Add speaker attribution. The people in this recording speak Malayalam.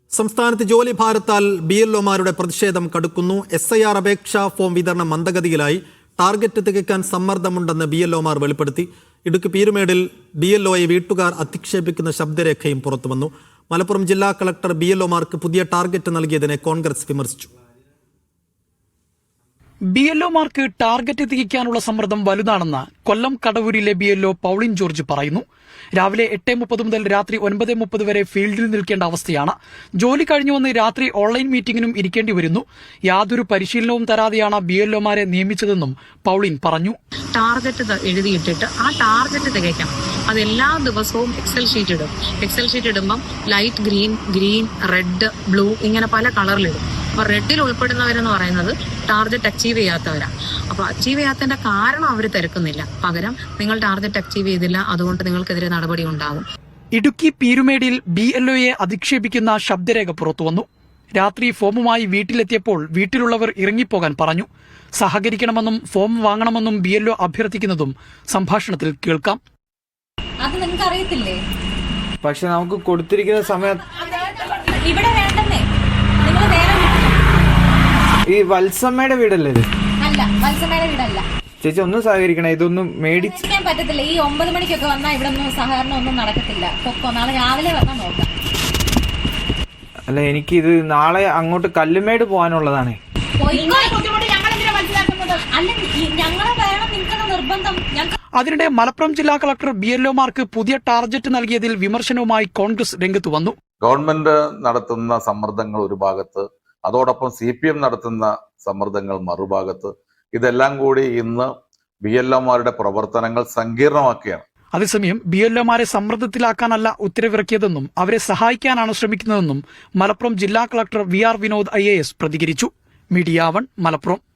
Speaker 1: സംസ്ഥാനത്ത് ജോലി ഭാരത്താൽ BLOമാരുടെ പ്രതിഷേധം കടുക്കുന്നു. SIR അപേക്ഷാ ഫോം വിതരണം മന്ദഗതിയിലായി. ടാർഗറ്റ് തികയ്ക്കാൻ സമ്മർദ്ദമുണ്ടെന്ന് BLOമാർ വെളിപ്പെടുത്തി. ഇടുക്കി പീരുമേടിൽ BLOയെ വീട്ടുകാർ അധിക്ഷേപിക്കുന്ന ശബ്ദരേഖയും പുറത്തുവന്നു. മലപ്പുറം ജില്ലാ കളക്ടർ BLOമാർക്ക് പുതിയ ടാർഗറ്റ് നൽകിയതിനെ കോൺഗ്രസ് വിമർശിച്ചു.
Speaker 2: BLOമാർക്ക് ടാർഗറ്റ് തികയ്ക്കാനുള്ള സമ്മർദ്ദം വലുതാണെന്ന് കൊല്ലം കടവൂരിലെ BLO പൗളിൻ ജോർജ് പറയുന്നു. രാവിലെ 8:30 മുതൽ രാത്രി 9:30 വരെ ഫീൽഡിൽ നിൽക്കേണ്ട അവസ്ഥയാണ്. ജോലി കഴിഞ്ഞു വന്ന് രാത്രി ഓൺലൈൻ മീറ്റിംഗിനും ഇരിക്കേണ്ടി വരുന്നു. യാതൊരു പരിശീലനവും തരാതെയാണ് BLOമാരെ നിയമിച്ചതെന്നും പൗളിൻ പറഞ്ഞു.
Speaker 3: ടാർഗറ്റ് എഴുതിയിട്ടിട്ട് ആ ടാർഗറ്റ് തികയ്ക്കണം. അത് എല്ലാ ദിവസവും എക്സൽ ഷീറ്റ് ഇടും. എക്സൽ ഷീറ്റ് ഇടുമ്പം ലൈറ്റ് ഗ്രീൻ, റെഡ്, ബ്ലൂ ഇങ്ങനെ പല കളറിലിടും. അപ്പൊ റെഡിൽ ഉൾപ്പെടുന്നവരെന്ന് പറയുന്നത് ടാർഗറ്റ് അച്ചീവ് ചെയ്യാത്തവരാണ്. അപ്പൊ അച്ചീവ് ചെയ്യാത്തതിന്റെ കാരണം അവർ തിരക്കുന്നില്ല. പകരം നിങ്ങൾ ടാർഗറ്റ് അച്ചീവ് ചെയ്തില്ല, അതുകൊണ്ട് നിങ്ങൾക്കെതിരെ നടപടി ഉണ്ടാകും.
Speaker 2: ഇടുക്കി പീരുമേടിൽ BLOയെ അധിക്ഷേപിക്കുന്ന ശബ്ദരേഖ പുറത്തുവന്നു. രാത്രി ഫോമുമായി വീട്ടിലെത്തിയപ്പോൾ വീട്ടിലുള്ളവർ ഇറങ്ങിപ്പോകാൻ പറഞ്ഞു. സഹകരിക്കണമെന്നും ഫോം വാങ്ങണമെന്നും BLO അഭ്യർത്ഥിക്കുന്നതും സംഭാഷണത്തിൽ കേൾക്കാം.
Speaker 4: അത് നിങ്ങൾക്ക് അറിയത്തില്ലേ?
Speaker 5: പക്ഷെ നമുക്ക് കൊടുത്തിരിക്കുന്ന സമയം
Speaker 4: ഇവിടെ വേണ്ടെന്നേ. നിങ്ങൾ വേറെ
Speaker 5: ഈ വത്സമ്മയുടെ വീടല്ലേ ഇത്?
Speaker 4: അല്ല, വത്സമ്മയുടെ വീടല്ല.
Speaker 5: ചേച്ചി ഒന്നും സഹകരിക്കണം, ഇതൊന്നും മേടിക്കാൻ
Speaker 4: പറ്റത്തില്ല. ഈ 9 മണിക്കൊക്കെ വന്നാൽ ഇവിടെ ഒന്നും സഹകരണം ഒന്നും നടക്കത്തില്ല. പൊക്കോ, നാളെ രാവിലെ വന്നാൽ നോക്കാം.
Speaker 5: അല്ല, എനിക്കിത് നാളെ അങ്ങോട്ട് കല്ലുമേട് പോകാനുള്ളതാണേ.
Speaker 2: അതിനിടെ മലപ്പുറം ജില്ലാ കളക്ടർ BLOമാർക്ക് പുതിയ ടാർഗറ്റ് നൽകിയതിൽ വിമർശനവുമായി കോൺഗ്രസ് രംഗത്ത് വന്നു.
Speaker 6: ഗവൺമെന്റ് നടത്തുന്ന സമ്മർദ്ദങ്ങൾ ഒരു ഭാഗത്ത്, അതോടൊപ്പം CPM നടത്തുന്ന സമ്മർദ്ദങ്ങൾ മറുഭാഗത്ത്, ഇതെല്ലാം കൂടി ഇന്ന് BLOമാരുടെ പ്രവർത്തനങ്ങൾ സങ്കീർണമാക്കുകയാണ്.
Speaker 2: അതേസമയം BLOമാരെ സമ്മർദ്ദത്തിലാക്കാനല്ല ഉത്തരവിറക്കിയതെന്നും അവരെ സഹായിക്കാനാണ് ശ്രമിക്കുന്നതെന്നും മലപ്പുറം ജില്ലാ കളക്ടർ VR വിനോദ് IAS പ്രതികരിച്ചു. മീഡിയ 1 മലപ്പുറം.